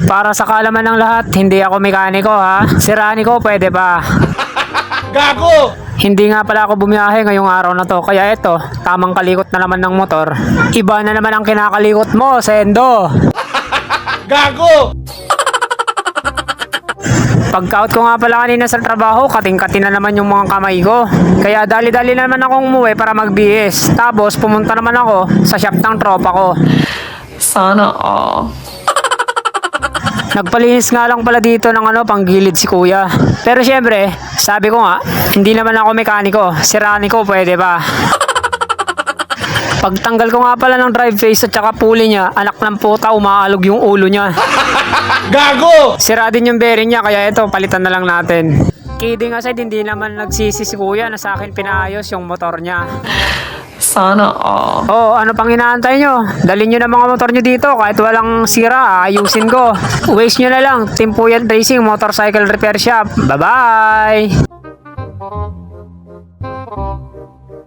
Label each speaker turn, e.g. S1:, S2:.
S1: Para sa kaalaman ng lahat, hindi ako mekaniko ha. Si Ranico pwede pa.
S2: Gago!
S1: Hindi nga pala ako bumiyahe ngayong araw na to. Kaya eto, tamang kalikot na naman ng motor. Iba na naman ang kinakalikot mo, Sendo.
S2: Gago!
S1: Pagka-out ko nga pala kanina sa trabaho, kating-kati na naman yung mga kamay ko. Kaya dali-dali naman akong umuwi para mag-BS. Tapos pumunta naman ako sa shop ng tropa ko.
S3: Sana all.
S1: Nagpalinis nga lang pala dito ng panggilid si kuya. Pero syempre, sabi ko nga, hindi naman ako mekaniko. Si Ranico pwede pa. Pagtanggal ko nga pala ng drive face at saka pulley niya, anak ng puta, umaalog yung ulo niya.
S2: Gago!
S1: Sira din yung bearing niya, kaya ito, palitan na lang natin. Kidding aside, hindi naman nagsisi si kuya na sa akin pinaayos yung motor niya.
S3: Sana all.
S1: Oh, ano pang inaantay nyo? Dalhin nyo na mga motor nyo dito kahit walang sira, ayusin ko. Waste nyo na lang, Timpuyan Racing Motorcycle Repair Shop. Bye-bye!